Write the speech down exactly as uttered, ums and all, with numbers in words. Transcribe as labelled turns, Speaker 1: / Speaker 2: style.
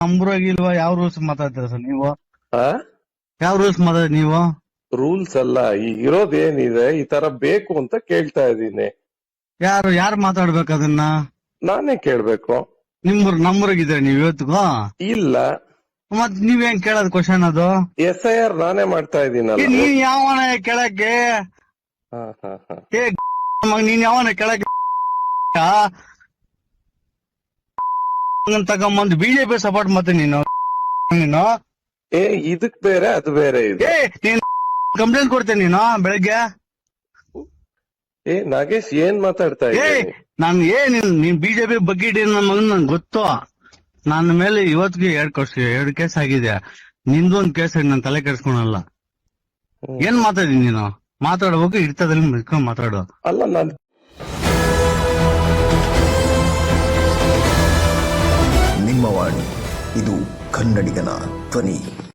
Speaker 1: ನಮ್ರಾಗಿಲ್ವಾ ಯಾವ rules ಮಾತಾಡ್ತೀರ sir ನೀವು?
Speaker 2: ಆ
Speaker 1: ಯಾವ ರೂಲ್ಸ್ ಮಾತಾಡ್ ನೀವು?
Speaker 2: ರೂಲ್ಸ್ ಅಲ್ಲ, ಈಗ ಇರೋದೇನಿದೆ ಈ ತರ ಬೇಕು ಅಂತ ಕೇಳ್ತಾ ಇದ್ದೀನಿ.
Speaker 1: ಯಾರು ಯಾರು ಮಾತಾಡ್ಬೇಕು ಅದನ್ನ?
Speaker 2: ನಾನೇ ಕೇಳ್ಬೇಕು.
Speaker 1: ನಿಮ್ಮೂರ್ ನಮ್ಮೂರಾಗಿದ್ರೆ ನೀವ್ ಇವತ್ತಿಗೂ
Speaker 2: ಇಲ್ಲ,
Speaker 1: ಮತ್ ನೀವೇನ್ ಕೇಳೋದ್ ಕ್ವಶನ್ ಅದು?
Speaker 2: ಎಸ್ ಐ ಆರ್ ನಾನೇ ಮಾಡ್ತಾ
Speaker 1: ಏ,
Speaker 2: ಇದ್ದೀನಲ್ಲ.
Speaker 1: ನೀನ್ ಯಾವನ ಕೇಳಕ್ಕೆ?
Speaker 2: ಹಾ ಹಾ ಹಾ
Speaker 1: ಏ ಮಗ, ನೀನ್ ಯಾವನ ಕೇಳಕ್ಕೆ ತಗೊಂಬಂದು ಬಿಜೆಪಿ ಸಪೋರ್ಟ್ ಮತ್ತೆ ನೀನು ನೀನು
Speaker 2: ಏ ಇದಕ್ ಬೇರೆ ಅದು ಬೇರೆ ಇದೆ.
Speaker 1: ಏ ನೀನ್ ಕಂಪ್ಲೇಂಟ್ ಕೊಡ್ತೇನೆ ನೀನು ಬೆಳಗ್ಗೆ.
Speaker 2: ಏ ನಾಗೇಶ್ ಏನ್ ಮಾತಾಡ್ತಾ
Speaker 1: ಏ
Speaker 2: ಇದ್ದೀನಿ?
Speaker 1: ನಾನ್ ಏ ನೀನ್ ನೀನ್ ಬಿಜೆಪಿ ಬಗ್ಗೆ ನನ್ನ ಮಗನ್ ನನ್ ಗೊತ್ತು. ನನ್ನ ಮೇಲೆ ಇವತ್ತಿಗೆ ಎರಡ್ ವರ್ಷ ಎರಡು ಕೇಸ್ ಆಗಿದೆ. ನಿಂದೊಂದ್ ಕೇಸ್ ನಾನು ತಲೆ ಕೆಡ್ಸ್ಕೊಳಲ್ಲ. ಏನ್ ಮಾತಾಡಿದೀನಿ ನೀನು? ಮಾತಾಡ್ಬೇಕು, ಇರ್ತದಲ್ಲಿ ಮುಚ್ಕೊಂಡ್ ಮಾತಾಡು.
Speaker 2: ಅಲ್ಲ ನಾನ್
Speaker 3: ನಿಮ್ಮ ವಾಣಿ, ಇದು ಕನ್ನಡಿಗನ ಧ್ವನಿ.